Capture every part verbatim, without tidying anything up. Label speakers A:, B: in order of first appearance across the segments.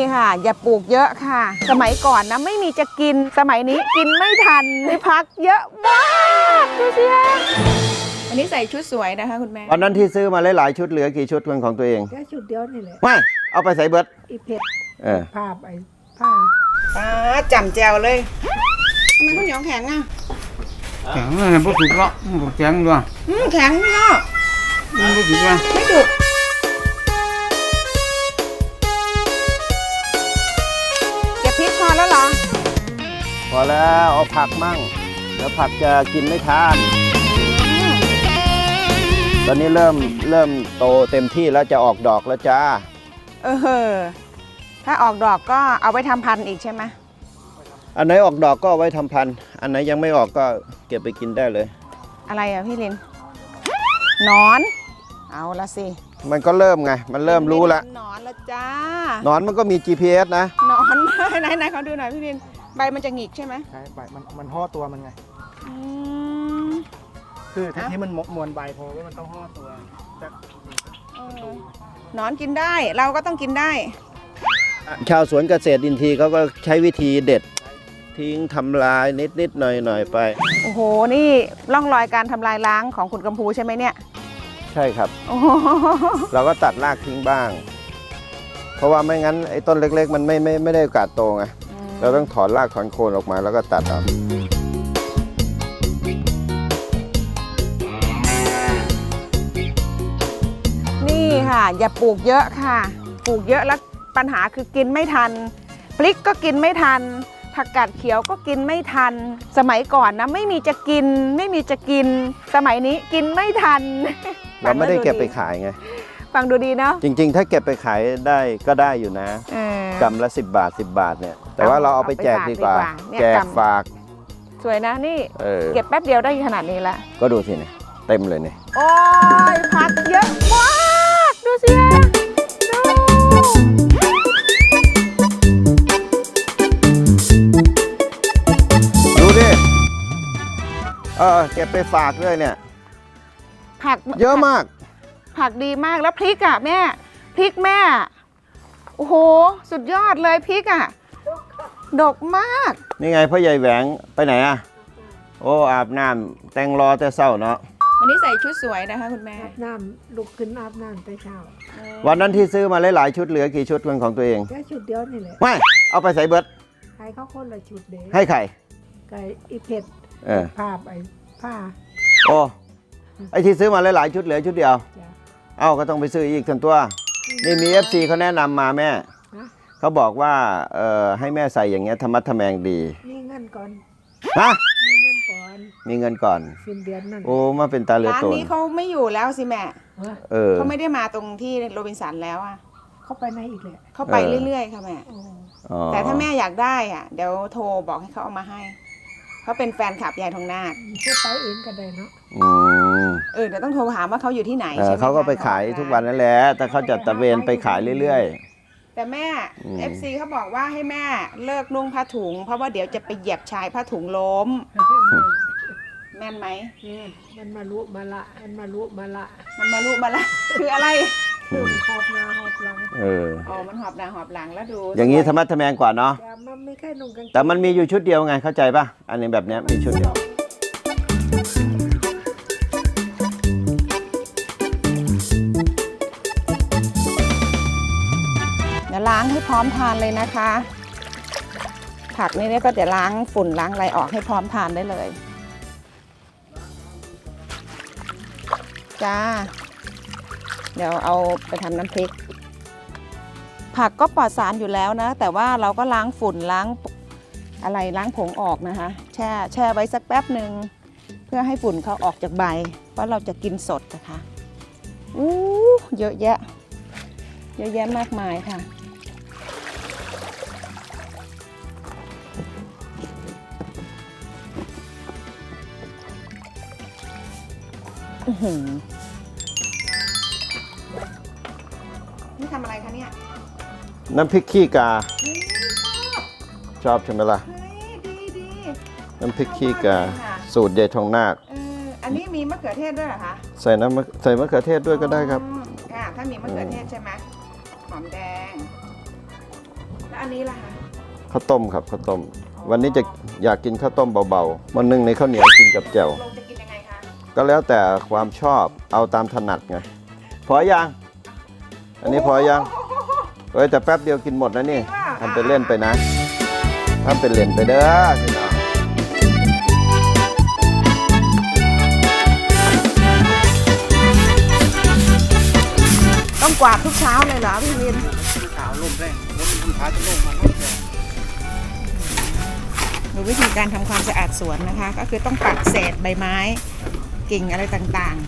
A: ค่ะอย่าปลูกเยอะค่ะสมัยก่อนนะไม่มีจะกินสมัยนี้กินไม่ทันในพักเยอะมากดูสิวันนี้ใส่ชุดสวยนะคะคุณแม่
B: วันนั้นที่ซื้อมาหลายๆชุดเหลือกี่ชุดเป็นของตัวเอง
C: แค่ชุดเดียวนี่แหละ
B: ไม่เอาไปใส่เบิร์ด
C: อีเพชร
B: เออ
C: ผ้าไปผ้า
A: ป้าจำแจวเลยทำไมข้าวเหนียวแข็งอ่ะ
D: แข็งเลยพวกถูกละพวกแข็งด้วย
A: อืมแข็งเนาะ
D: มันพวกถูกละ
A: ไม่ถูกเก็บพริกพอแล้วเหรอ
B: พอแล้วเอาผักมั่งแล้วผักจะกินไม่ทานตอนนี้เริ่มเริ่มโตเต็มที่แล้วจะออกดอกแล้วจ้า
A: เออถ้าออกดอกก็เอาไว้ทำพันธุ์อีกใช่ไหม
B: อันไหนออกดอกก็เอาไว้ทำพันธุ์อันไหนยังไม่ออกก็เก็บไปกินได้เลย
A: อะไรอ่ะพี่ลินนอนเอาละสิ
B: มันก็เริ่มไงมันเริ่มรู้แล้ว
A: นอนละจ้า
B: นอนมันก็มี จี พี เอส นะ
A: นอนไหนไหนเขาดูหน่อยพี่ลินใบมันจะหงิกใช่ไหม
E: ใช่ใบมันมันห่อตัวมันไงคือถ้าที่มันมวนใบพอว่ามันต้องห่อตัวน
A: อนกินได้เราก็ต้องกินได้
B: ชาวสวนเกษตรอินทรีย์เขาก็ใช้วิธีเด็ดทิ้งทำลายนิดนิดหน่อยหน่อยไป
A: โอ้โหนี่ร่องรอยการทำลายล้างของคุณกัมพูใช่ไหมเนี่ย
B: ใช่ครับเราก็ตัดรากทิ้งบ้างเพราะว่าไม่งั้นไอ้ต้นเล็กๆมันไม่ไม่ไม่ได้โอกาสโตไงเราต้องถอนรากถอนโคนออกมาแล้วก็ตัดเอา
A: นี่ค่ะอย่าปลูกเยอะค่ะปลูกเยอะแล้วปัญหาคือกินไม่ทันพริกก็กินไม่ทันผักกาดเขียวก็กินไม่ทันสมัยก่อนนะไม่มีจะกินไม่มีจะกินสมัยนี้กินไม่ทัน
B: เราไม่ได้เก็บไปขายไง
A: ฟังดูดีเนาะ
B: จริงๆถ้าเก็บไปขายได้ก็ได้อยู่นะกำละสิบบาทสิบบาทเนี่ยแต่ว่าเราเอาไปแจกดีกว่าแจกฝาก
A: สวยนะนี่เก็บแป๊บเดียวได้ขนาดนี้ละ
B: ก็ดูสิเนี่ยเต็มเลยเนี่ย
A: โอ้ยผักเยอะมากดูสิ
B: ดูดิเออเก็บไปฝากด้วยเนี่ย
A: ผัก
B: เยอะมาก
A: ผักดีมากแล้วพริกอ่ะแม่พริกแม่โอ้โหสุดยอดเลยพริกอ่ะดกมาก
B: นี่ไงพ่อใหญ่แหวงไปไหนอ่ะโอ้อาบน้ำแต่งรอแต่เช้าเนาะ
A: วันนี้ใส่ชุดสวยนะคะคุณแม่
C: อาบน้ำลุกขึ้นอาบน้ำแต่เช้า
B: วันนั้นที่ซื้อมาหลายๆชุดเหลือกี่ชุดเป็นของตัวเอง
C: แค่ชุดเดียวนี่แหละ
B: ไม่เอาไปใส่เบิร์ด
C: ให้เขาคนละชุดเด็ก
B: ให้ใคร
C: ไก่อีเพชรผ้าไปผ้า
B: โอ้ไอที่ซื้อมาหลายๆชุดเหลือชุดเดียวเอ้าก็ต้องไปซื้ออีกทันตัวนี่มี เอฟ ซี เขาแนะนำมาแม่เขาบอกว่าเอ่อให้แม่ใส่อย่างเงี้ยธรรมะทแมงดี
C: มีเงินก่อน
B: ฮะ
C: มีเงินก่อน
B: มีเงินก่อน
C: สิ้นเดือนนั่น
B: โอ้มาเป็นตาเลือด
A: ร้านนี้เขาไม่อยู่แล้วสิแม่
B: เออ
A: เขาไม่ได้มาตรงที่โรบินสันแล้วอ่ะ
C: เขาไปไหนอีกเลย
A: เขาไปเรื่อยๆค่ะแม่แต่ถ้าแม่อยากได้อ่ะเดี๋ยวโทรบอกให้เขาเอามาให้เขาเป็นแฟนคลับยายทองนาค
C: เขาไปเองก็ได้เนาะ
A: เออเดี๋ยวต้องโทรถามว่าเขาอยู่ที่ไหน
B: ใช่ไหมเขาก็ไปขายทุกวันนั่นแหละแต่เขาจะตะเวนไปขายเรื่อย
A: ๆแต่แม่ เอฟ ซี เขาบอกว่าให้แม่เลิกนุ่งผ้าถุงเพราะว่าเดี๋ยวจะไปเหยียบชายผ้าถุงล้มแม่นไหม
C: มันมาลุมาละมันมาลุมาละ
A: มันมาลุมาละคืออะไร
C: คือหอบหน้าหอบหลัง
B: เออ
A: อ๋อมันหอบหน้าหอบหลังแล้วดู
B: อย่างนี้ธรรมะทแมงกว่าเนาะ
C: แต่มันไม่แค่นุ่งกัน
B: แต่มันมีอยู่ชุดเดียวไงเข้าใจป่ะอันนี้แบบนี้มีชุดเดียว
A: เดี๋ยวล้างให้พร้อมทานเลยนะคะผักนี่ก็จะล้างฝุ่นล้างอะไรออกให้พร้อมทานได้เลยจ้าเดี๋ยวเอาไปทำน้ำพริกผักก็ปลอดสารอยู่แล้วนะแต่ว่าเราก็ล้างฝุ่นล้างอะไรล้างผงออกนะคะแช่แช่ไว้สักแป๊บหนึ่งเพื่อให้ฝุ่นเขาออกจากใบเพราะเราจะกินสดนะคะอู้เยอะแยะเยอะแยะมากมายค่ะนี่ทำอะไรคะเนี่ย
B: น้ำพริกขี้กาชอบใช่ไหมล่ะน้ำพริกขี้กาสูตรยายทองนาค
A: อันนี้มีมะเขือเทศด้วยเหรอคะ
B: ใส่น้ำใส่มะเขือเทศด้วยก็ได้ครับ
A: ค่ะถ้ามีมะเขือเทศใช่ไหมหอมแดงอันนี้ล่ะคะ
B: ข้าวต้มครับข้าวต้ม วันนี้จะอยากกินข้าวต้มเบาๆวันหนึงในข้าวเหนียวกินกับแจ่ว
A: ลงจะกินยังไงคะ
B: ก็แล้วแต่ความชอบเอาตามถนัดไงพอยังอันนี้พอยังเอ้ยแต่แป๊บเดียวกินหมดนะนี่ทำเป็นเล่นไปนะทำเป็นเล่นไปเด้อพี่น้อง
A: ต้องกวาดทุกเช้าเลยเหรอพี่วิน
E: ขาวลมแรงลมคุณพาจะลงมาลมแรง
A: ดูวิธีการทำความสะอาดสวนนะคะ ก็คือต้องปัดเศษใบไม้ กิ่งอะไรต่าง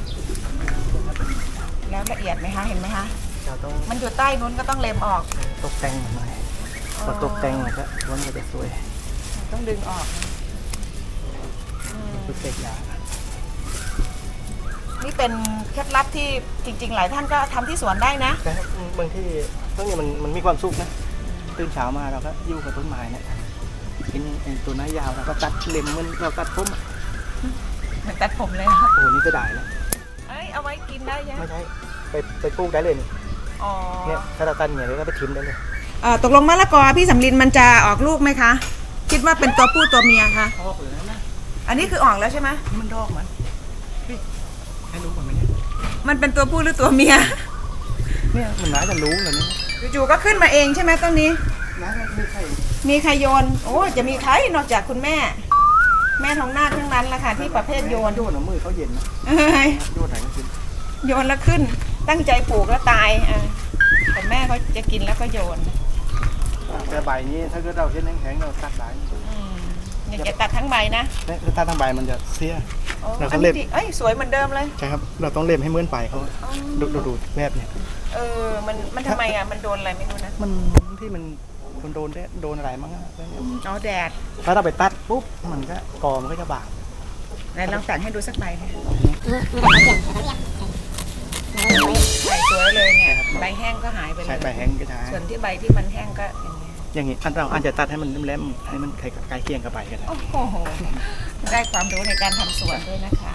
A: ๆ แล้วละเอียดไหมคะเห็นไหมคะ
E: เราต้อง
A: มันอยู่ใต้นู้นก็ต้องเล็มออก
E: ตกแต่งหน่อยพอตกแต่งมันก็ล้วนก็จะสวย
A: ต้องดึงออกอืม
E: คือเสกยา
A: นี่เป็นเคล็ดลับที่จริง ๆ หลายท่านก็ทำที่สวนได้นะ
E: แต่บางที่พวกนี้มันมันมีความสุขนะตื่นเช้ามาเราก็อยู่กับต้นไม้เนี่ยกินไอ้ตัวไม้ยาวเราก็ตัดเล็มมันเราตัดผมอะ
A: เหมือนตัดผมเลย
E: โอ้โหนี่จะได้แล้ว
A: เอ้ยเอาไว้กินได้ยัง
E: ไม่ใช่ไปไปปลูกได้เลยนี่
A: อ๋อ
E: เนี่ยถ้าเราตัดเนี่ยเราก็ไปทิ้งได้เลย
A: เอ่อตกลงมะละกอพี่สำลินมันจะออกลูกไหมคะ คิดว่าเป็นตัวผู้ตัวเมียคะ
E: ออกเลยนะ
A: อันนี้คือออกแล้วใช่ไหม
E: นี่มันดอกมันพี่ให้รู้ก่อนไหมเนี่ย
A: มันเป็นตัวผู้หรือตัวเมีย
E: เนี่ยมันน่าจะรู้เลยเนี่ย
A: จู่ๆก็ขึ้นมาเองใช่ไหมต้นนี้
E: น่าจะมีใคร
A: มีใครโยน โอ้จะมีใครนอกจากคุณแม่ แม่ทองนาคทั้งนั้นแหละค่ะที่ประเภทโยน
E: โยนเอามือเขาเย็นนะ
A: เอ้ย
E: โยนไหนก็กิน
A: โยนแล้วขึ้น ตั้งใจปลูกแล้วตายอ่ะแต่แม่เขาจะกินแล้วก็โยน
E: แต่ใบนี้ถ้าเกิดเราเห็นแข็งๆเราตัดได้
A: อืมอยากจะตัดทั้งใบนะ
E: เนี่ยถ้าตัดทั้งใบมันจะเสีย
A: โอ้
E: แล้วก็
A: อัน
E: เล็
A: นี้
E: บ
A: ดีเอ้ยสวยเหมือนเดิมเลย
E: ใช่ครับ เราต้องเล็มให้เหมือนใบเขาดูดูดูแบบเนี่ย
A: เออ มัน มันทำไมอ่ะ มันโดนอะไรไม่รู้นะ
E: มันที่มันมันโดนได้โดนอะไรมั้งอะแล้วเนี่ย
A: อ๋อแดด
E: ถ้าเราไปตัดปุ๊บมันก็กอมันก็จะบาด
A: ไหนลองตัดให้ดูสักใบค่ะใบสวยเลยเนี่ย ใบแห้งก็หายไปเล
E: ใช้
A: ย
E: ใบแห้งก็ใช้
A: ส่วนที่ใบที่มันแห้งก็อย่างเงี้ย
E: อย่างนี้อันเราอาจจะตัดให้มันแหลมๆให้มันใกล้เคียงกับใบกัน
A: โอ้โห ได้ความรู้ในการทำสวนด้วยนะคะ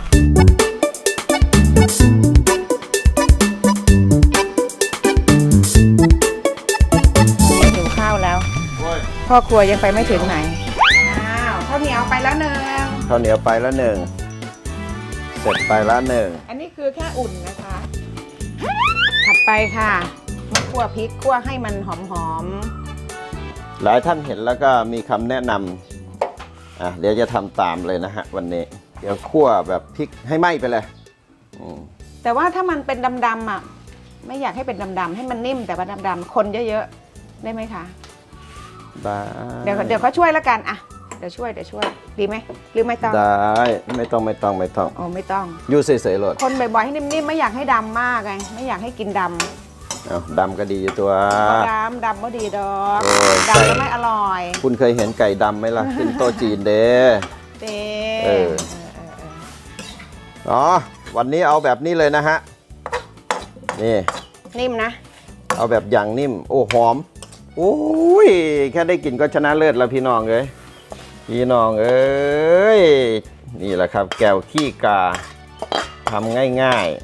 A: หิวข้าวแล้ว พ่อครัวยังไปไม่ถึงไหน อ้าวข้าวเหนียวไปแล้วหนึ่ง
B: ข้าวเหนียวไปแล้วหนึ่งเสร็จไปแล้วหนึ่ง
A: อันนี้คือแค่อุ่นนะคะ ถัดไปค่ะมาคั่วพริกคั่วให้มันหอม
B: หลายท่านเห็นแล้วก็มีคำแนะนำอ่ะเดี๋ยวจะทำตามเลยนะฮะวันนี้ เดี๋ยวคั่วแบบพริกให้ไหม้ไปเลยอืม
A: ๆแต่ว่าถ้ามันเป็นดำๆอ่ะ ไม่อยากให้เป็นดำๆให้มันนิ่มแต่ว่าดำๆคนเยอะๆได้ไหมคะ
B: ได้
A: เดี๋ยวเดี๋ยวเขาช่วยแล้วกันอ่ะเดี๋ยวช่วยเดี๋ยวช่วยดีไหมหรือไม่ต้อง
B: ได้ไม่ต้องไม่ต้องไม่ต้อง
A: โอ้ไม่ต้อง
B: อยู่เฉยๆเลย
A: คนบ่อยๆให้นิ่มๆไม่อยากให้ดำมากไงไม่อยากให้กินดำ
B: เอาดำก็ดีอยู่ตัว
A: ดำดำก็ดีดอก
B: โอ้ย
A: ดำก็ไม่อร่อย
B: คุณเคยเห็นไก่ดำไหมล่ะขึ้นโต๊ะจีนเด้
A: เต้
B: เออ อ๋อวันนี้เอาแบบนี้เลยนะฮะนี่
A: นิ่มนะ
B: เอาแบบอย่างนิ่ม โอ้หอมโอ้ยแค่ได้กลิ่นก็ชนะเลิศแล้วพี่น้องเอ้ยพี่น้องเอ้ยนี่แหละครับ แก้วขี้กาทำง่ายๆ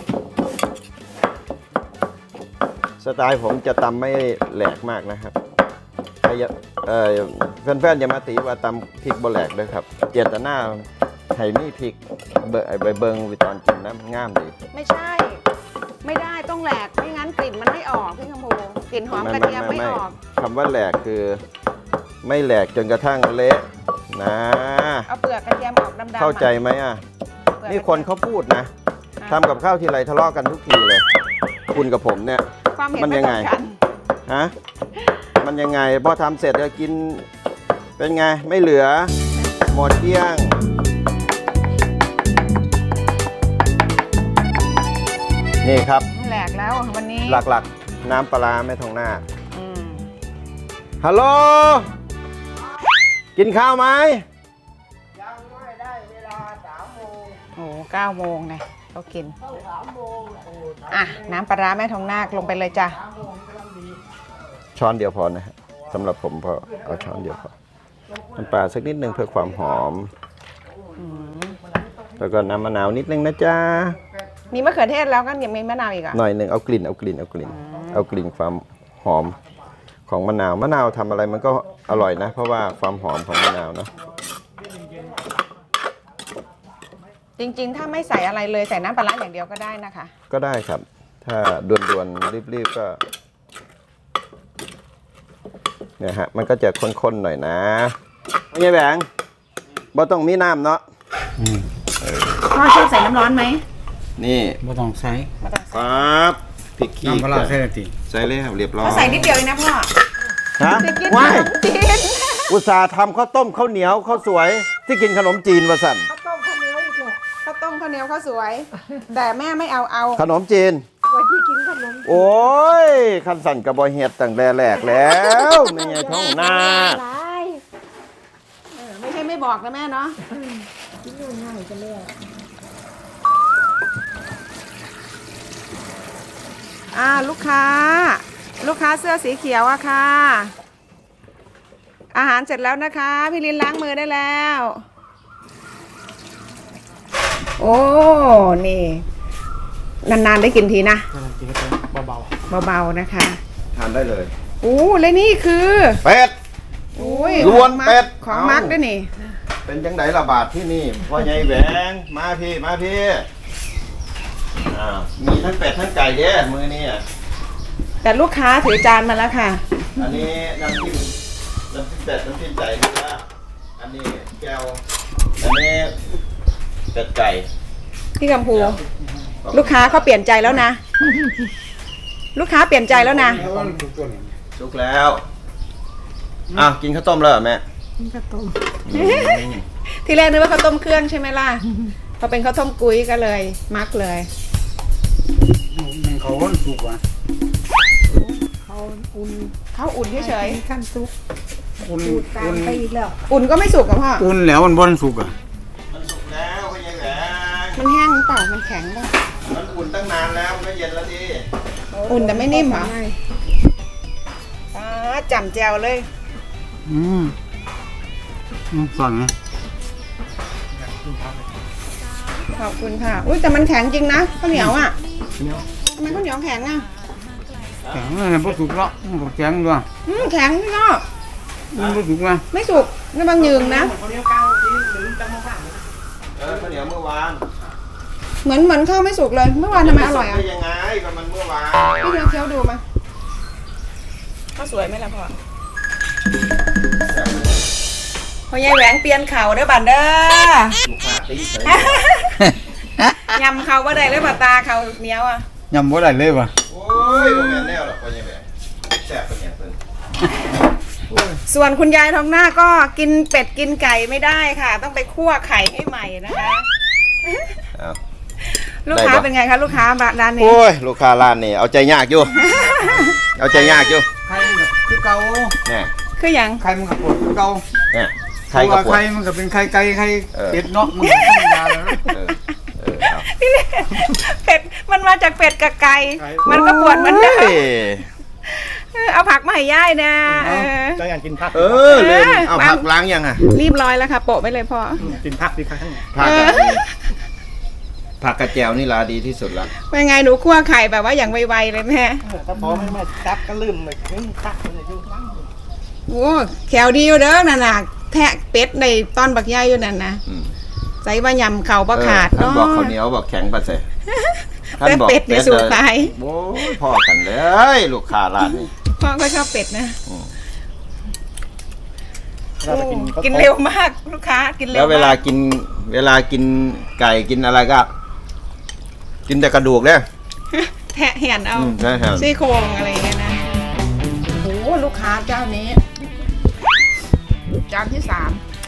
B: สไตล์ผมจะตำไม่แหลกมากนะครับใครอย่าเอ่อแฟนๆอย่ามาตีว่าตำพริกบ่แหลกด้วยครับเจตนาให้มีพริกเบใบเบิงวิตอนกินน้ำงามดี
A: ไม่ใช่ ไม่ได้ต้องแหลกไม่งั้นกลิ่นมันไม่ออกพี่คำพูกลิ่นหอมกระเทียมไม่ออก
B: คำว่าแหลกคือไม่แหลกจนกระทั่งเละนะ
A: เอาเปลือกกระเทียมออกดำๆ
B: เข้าใจไหมอ่ะ
A: เปลือก
B: นี่คนเขาพูดนะทำกับข้าวทีไรทะเลาะกันทุกทีเลย คุณกับผมเนี่ย
A: ความเห็น
B: มัน
A: ไม่
B: ยัง
A: ต
B: ไง
A: รงกัน
B: ฮะมันยังไงพอทำเสร็จจะกินเป็นไงไม่เหลือหมดเกลี้ยงนี่ครับ
A: แหลกแล้ววันนี้
B: หลักๆ น้ำปลาร้าแม่ทองหน้า
A: อืม
B: ฮัลโหลกินข้าวไหม
C: ยังไม่ได้เวลาสามโมง
A: โอ้เก้าโมงไงเขากิน
C: เข้าสามโมงโอ้
A: อ่ะน้ำปลาร้าแม่ทองนาคลงไปเลยจ้ะ
C: สามโมงกำลังดี
B: ช้อนเดียวพอนะฮะสำหรับผมพอเอาช้อนเดียวพอน้ำปลาสักนิดนึงเพื่อความหอม
A: อืม
B: แล้วก็น้ำมะนาวนิดนึงนะจ๊ะ
A: มีมะเขือเทศแล้วก็ยังมีมะนาวอีกอ่ะ
B: หน่อยหนึ่งเอากลิ่นเอากลิ่นเอากลิ่น
A: อืม
B: เอากลิ่นความหอมขของมะนาวมะนาวทำอะไรมันก็อร่อยนะ เพราะว่าความหอมของมะนาวเนาะ
A: จริงๆ ถ้าไม่ใส่อะไรเลยใส่น้ำปลาร้าอย่างเดียวก็ได้นะคะ
B: ก็ได้ครับ ถ้าด่วนๆรีบๆก็เนี่ยฮะมันก็จะข้นๆหน่อยนะไม่ใช่แบงบ่ต้องมีน้ำเนาะ
D: อืม
A: พ่อชอบใส่น้ำร้อนไหม
B: นี่
D: บ่ต้องใส่
B: ปั๊บพริกขี้
D: น้ำปลาร้าใส่ได้ติ
B: ใส่เลยครับเรียบร้อย
A: เขาใส่นิดเดียวเองนะพ่อ
B: ฮะ
A: จะกินข
B: ว้าย
A: นมจีน
B: อุตส่าห์ทำข้าวต้มข้าวเหนียวข้าวสวยที่กินขนมจีนวะสัน
C: ข้าวต้มข้าวเหนียวอีกแหละ
A: ข้าวต้มข้าวเหนียวข้าวสวย แต่แม่ไม่เอาเอา
B: ขนมจีน
C: ไว้ที่กินขนม
B: โอ้ยคันสั่นกับบอยเฮ็ดตั้งแต่แรกแล้วไม่ไงท้องหน้า
C: หลาย
A: เออไม่ใช่ไม่บอกนะแม่เนาะ
C: กินง่ายๆกันเลย
A: อ่าลูกค้า ลูกค้าเสื้อสีเขียวอะค่ะ อาหารเสร็จแล้วนะคะ พี่ลินล้างมือได้แล้ว โอ้ นี่ นานๆได้กินทีนะ
E: กำลังกินก็เบา
A: เบาๆนะคะ
B: ทานได้เลย
A: อู้และนี่คือ
B: เป็ด
A: อุ้ย
B: ล้วนเป็ด
A: ของมักด้วยนี่
B: เป็นจังไดระบาดที่นี่พ่อใหญ่แหวงมาพี่มาพี่อ้าวมีทั้งเป็ดทั้งไก่เด้มือนี่อ่ะ
A: แต่ลูกค้าถือจานมาแล้วค่ะ
B: อันนี้น้ำจิ้มน้ำจิ้มเป็ดน้ำจิ้มไก่นี่ละอันนี้แก้วอันนี้เป็ดไก่
A: พี่กัมพู ลูกค้าเขาเปลี่ยนใจแล้วนะ ลูกค้าเปลี่ยนใจแล้วนะ
D: แล้วมันถูกตัวนี่
B: สุกแล้วอ้าวกินข้าวต้มแล้วเหรอแม่
C: กินข้าวต้ม
A: ที่แรกนึกว่าข้าวต้มเครื่องใช่ไหมล่ะ พอเป็นข้าวต้มกุ้ยก็เลย มักเลย
D: มันเขาคนสุกว่ะ
C: เขาอุ่น
A: ข้าวอุ่นเฉย
C: กินขั้นซุป
D: อุ่น
C: ดูดตา
D: อุ่
C: ม
D: น
C: ไปอีกแล้ว
A: ๆอุ่นก็ไม่สุกกับพ่อ
D: อุ่นแล้วมันบ่สุกอ่ะ
B: มันสุกแล้วพ่อใหญ่แหวง
A: มันแห้งหรือเปล่ามันแข็งป่ะ
B: มันอุ่นตั้งนานแล้วมันก็เย็นแล้วดิ
A: อุ่นแต่ไม่นิ่มเหรอ
C: ไม่
A: อ่าจำแจวเลย
D: อืมอืมสั่นนะ
A: ขอบคุณค่ะ อุ้ยแต่มันแข็งจริงนะข้าวเหนียวอ่ะ
E: ๆเหนียว
A: ทำไมข้าวเหนียวแข็งอ่ะ
D: แข็งเลยบ่สุกแล้วมันบ่แข็งด้วย
A: อืมแข็งพี่ก็
D: มันบ่สุกนะ
A: ไม่สุกนี่บางยืงนะ
E: เขาเลี้ยวก้าวที่หรือตั้งมากๆเลย
B: เออข้าวเหนียวเมื่อวาน
A: เหมือนเหมือนข้าวไม่สุกเลย เมื่อวานทำไมอร่อยอ่ะ
B: ได้ยังไงก็มันเมื่อวาน
A: พี่เดียวเคี้ยวดูมาข้าวสวยไหมล่ะพ่อพ่อยายแหวงเปลี่ยนเข่าเด้อบันเด้อ
B: ลูกค้าตีเฉย
A: ยำเขาว่าได้เลยป่ะตาเขาเหนียวอ่ะ
D: ยำบ่ได้เลยว่ะ
B: โอ้ยบ่แม่นแนวหรอกพ่อใหญ่แหวงแซ่บเป็นอย่างเพิ่น
A: ส่วนคุณยายทองหน้าก็กินเป็ดกินไก่ไม่ได้ค่ะ ต้องไปคั่วไข่ให้ใหม่นะคะ
B: อ้าว
A: ลูกค้า
B: ได้ปะ
A: เป็นไงคะลูกค้าร้านนี้
B: โอ้ยลูกค้าร้านนี่เอาใจยากอยู่ เอาใจยากอยู่
D: ไข่มันก็คือเก่า
B: เนี่ย
A: คืออย่าง
D: ไข่มันก็ปวดคือเก่า
B: เนี่ย
D: เพ
B: ไข่
D: ราะ
B: กับปวด
D: ว่าไข่มันก็เป็นไข่ไก่ไข่
B: เออ
D: เป็ดเนาะมันก็ธรรมดาแล้วนะ
B: เออเออเอา
A: พี่เล่เป็ดมันมาจากเป็ดกับไก่มันก็ปวดเหมือนเดิม
B: โอ้ย
A: เออเอาผักมาให้ย่ายนะเออ
E: เจ้าอยากกินผัก
B: เออเลยเอาผักล้างยังอ่ะ
A: รีบร้อยแล้วค่ะโปะไปเลยพ่อ
E: กินผักดีครับทั้งหมด
B: ผักอะผักกระเจียวนี่ลาดีที่สุดละ
A: เป็นไงหนูคั่วไข่แบบว่าอย่างไวๆเลยแม่
E: ถ้าพอไม่มาจับก็ลืมเลยผักมันจะยุ่งมาก
A: โอ้แขวดีอยู่เด้อน่ะน่ะแทะเป็ดในตอนบักย่ายอยู่นั่นนะ
B: อืม
A: ใส่ว่ายำเข่าประขาด
B: ท่าน
A: เนาะ
B: บอกข้าวเหนียวบอกแข็งปะเสะ
A: แต่เป็ดนี่สูขาย
B: โอ้ยพ่อกันเลยลูกค้าร้านนี้
A: พ่อก็ชอบเป็ดนะ
E: เราจะกิน
A: กินเร็วมากลูกค้ากินเร็ว
B: แล้วเวลาม
A: าก
B: กินเวลากินไก่กินอะไรก็ กินแต่กระดูกเนี่ย
A: แทะเหียนเอา
B: อืมใช่ครับ
A: ซี่โครงอะไรอย่างเงี้ยนะโอ้โหลูกค้าเจ้านี้ จานที่สาม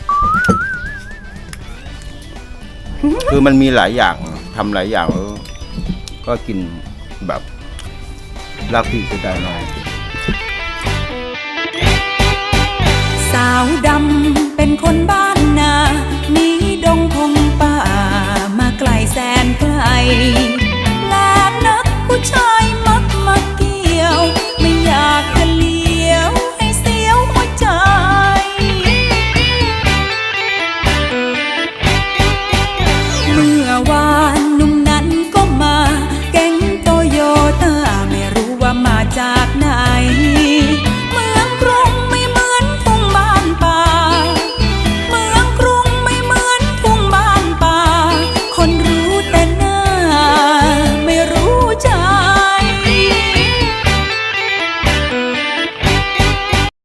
B: คือมันมีหลายอย่างทำหลายอย่างแล้วก็กินแบบรักพี่จะได้น้อย